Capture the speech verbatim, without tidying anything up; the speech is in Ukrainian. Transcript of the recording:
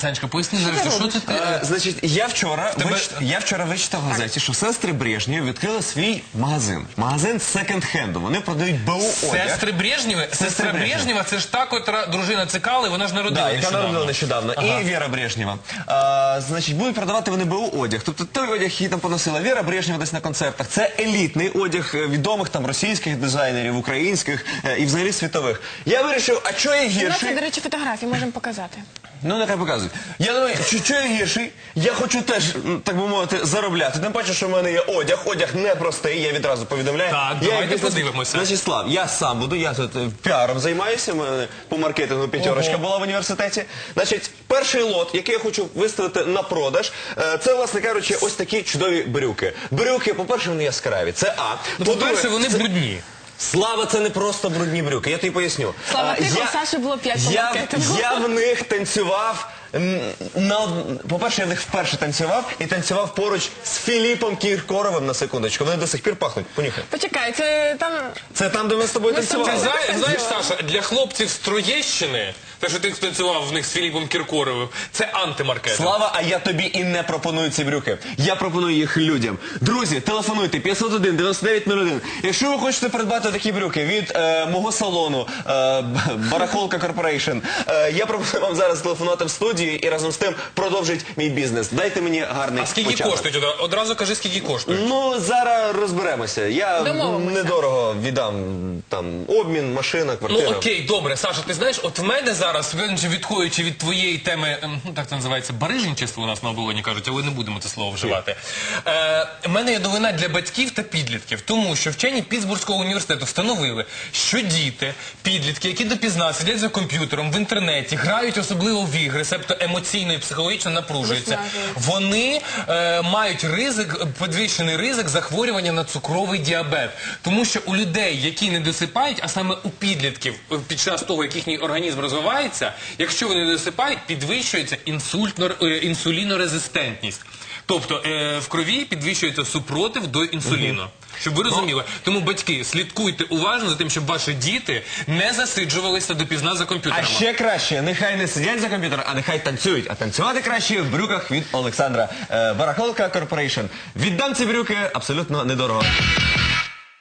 Санечка, поясни, нарешті, що це ти... Е, Значить, я вчора, тебе- вич... я вчора вичитав в газеті, що сестри Брежнєв відкрили свій магазин. Магазин секонд-хенду. Вони продають БУ одяг. Сестри Брежнєви? Сестра Брежнєва. Брежнєва, це ж та, котра дружина Цикали, вона ж народила Да, яка нещодавно. народила нещодавно. Ага. І Віра Брежнєва. А, значить, будуть продавати вони БУ одяг. Тобто той одяг, який там поносила Віра Брежнєва десь на концертах. Це елітний одяг е, відомих там російських дизайнерів, українських е, і взагалі світових. Я вирішив, а що я У нас є, гірший? до речі, фотографії, можемо показати. Ну, нехай показують. Я думаю, що, що я гірший, я хочу теж, м, так би мовити, заробляти. Тим паче, що в мене є одяг. Одяг непростий, я відразу повідомляю. Так, я давайте як бізнес- подивимося. Значить, Слав, я сам буду, я тут е, піаром займаюся, в мене по маркетингу п'ятерочка Ого. була в університеті. Значить, перший лот, який я хочу виставити на продаж, е, це, власне кажучи, ось такі чудові брюки. Брюки, по-перше, вони яскраві, це А. Ну, по-перше, вони брудні. Слава, це не просто брудні брюки, я тобі поясню. Слава, А, тихо, я- Саші було п'ять по я, маркетингу. я в них танцював, м, на, од- по-перше, я в них вперше танцював і танцював поруч з Філіпом Кіркоровим, на секундочку. Вони до сих пір пахнуть, понюхай. Почекай, це там... Це там, де ми з тобою Ми з тобою Ти танцювали. знаєш, знаєш, Саша, для хлопців з Троєщини, те, що ти танцював в них з Філіпом Кіркоровим, це антимаркетинг. Слава, а я тобі і не пропоную ці брюки. Я пропоную їх людям. Друзі, телефонуйте п'ятсот один дев'яносто дев'ять нуль один. Якщо ви хочете придбати такі брюки від е, мого салону е, Барахолка Корпорейшн, е, я пропоную вам зараз телефонувати в студію і разом з тим продовжити мій бізнес. Дайте мені гарний А скільки початок. коштують? Одра- Одразу кажи, скільки коштують. Ну, зараз розберемося. Я Домовимося. недорого віддам там обмін, машина, Ну квартира. окей, добре, Саша, ти знаєш, от в мене зараз, відходячи від твоєї теми, ем, ну так це називається, барижничество у нас на оболоні кажуть, але не будемо це слово вживати. Е, в мене є новина для батьків та підлітків, тому що вчені Пітсбурзького університету встановили, що діти, підлітки, які допізна сидять за комп'ютером в інтернеті, грають особливо в ігри, себто емоційно і психологічно напружуються, Виснажуються. вони е, мають ризик, підвищений ризик захворювання на цукровий діабет. Тому що у людей, які не досипають, а саме у підлітків, е, під час того, як їхній організм розвивається, якщо вони не досипають, підвищується інсультно, е, інсулінорезистентність. Тобто е, в крові підвищується супротив до інсуліну. Щоб ви розуміли. Тому, батьки, слідкуйте уважно за тим, щоб ваші діти не засиджувалися допізна за А комп'ютерами. ще краще, нехай не сидять за комп'ютером, а нехай танцюють. А танцювати краще в брюках від Олександра. Е, Барахолка Корпорейшн. Віддам ці брюки абсолютно недорого.